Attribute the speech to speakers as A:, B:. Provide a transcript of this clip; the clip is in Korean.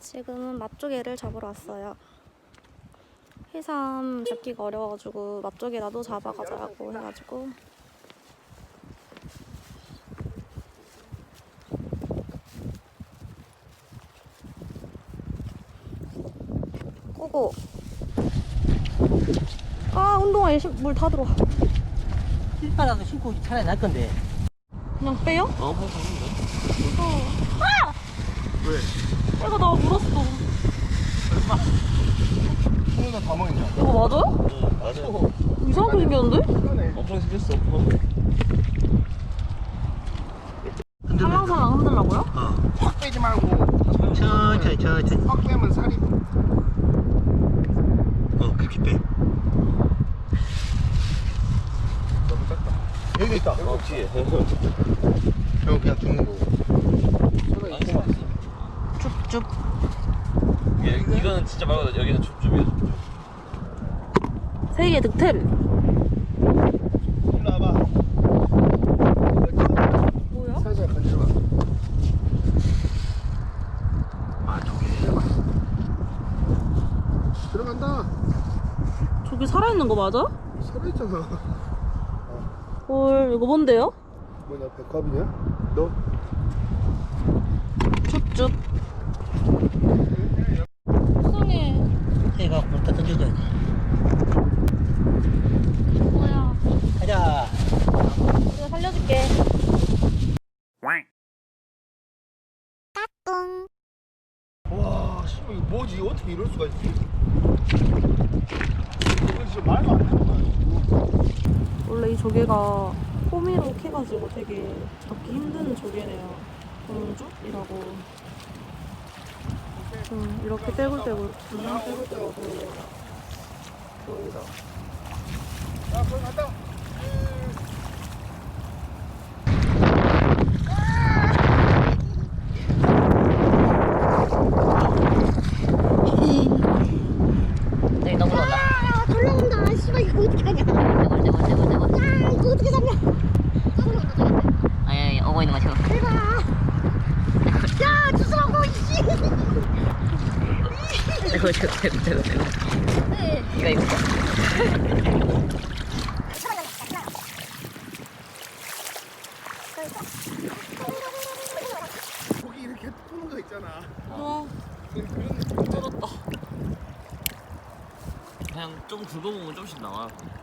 A: 지금은 맛조개를 잡으러 왔어요. 해삼 잡기가 어려워가지고 맛조개라도 잡아가자고 해가지고 꼬고. 아, 운동화에 물 다 들어와.
B: 신발라도 신고 차라리 날 건데.
A: 그냥 빼요?
B: 뭐 가는데?
A: 무서워. 아!
C: 왜?
A: 애가 나 물었어.
C: 설마? 손에다 다 먹냐?
A: 이거 맞아요?
B: 응, 맞아.
A: 이상하게 생겼는데?
B: 엄청 생겼어.
A: 살랑살랑 흔들라고요?
C: 확 빼지 말고
B: 천천히.
C: 확 빼면 살이
B: 그렇게 빼.
C: 너무 작다. 여기 있다.
B: 뒤에.
C: 형 그냥 죽는 거고. 손에 있구만.
A: 줍줍.
B: 이거는 진짜 말고 여기는 줍줍이야.
A: 세계 득템.
C: 일로 와봐.
A: 뭐야?
C: 살살 건져봐. 아 저기 들어간다.
A: 저기 살아있는 거 맞아?
C: 살아있잖아.
A: 헐, 이거 뭔데요?
C: 뭐냐 백합이냐? 너?
A: 줍줍. 속상해.
B: 해가 물다 던져줘야지.
A: 뭐야?
B: 가자.
A: 내가 살려줄게.
C: 와, 씨, 이거 뭐지? 어떻게 이럴 수가 있지? 이거 진짜 말도 안 되는 거야.
A: 원래 이 조개가 호미로 캐가지고 되게 잡기 힘든 조개래요. 동죽이라고. 이렇게 떼굴떼굴, 그냥 떼굴떼굴 보여요. 보이죠?
C: 야, 거기 갔다.
B: 여기 너무 놀라.
D: 아, 올라온다. 씨발 이거 어떻게 하냐? 야, 이거 어떻게 잡냐?
B: 아니, 오고 있는 거 지금.
D: 대박. 야, 주스라고 이씨.
B: 이거.
C: 거기 이렇게 푸는 거 있잖아.
A: 와,
C: 그런
A: 쩔었다.
B: 그냥 좀 굵어보면 좀씩 나와.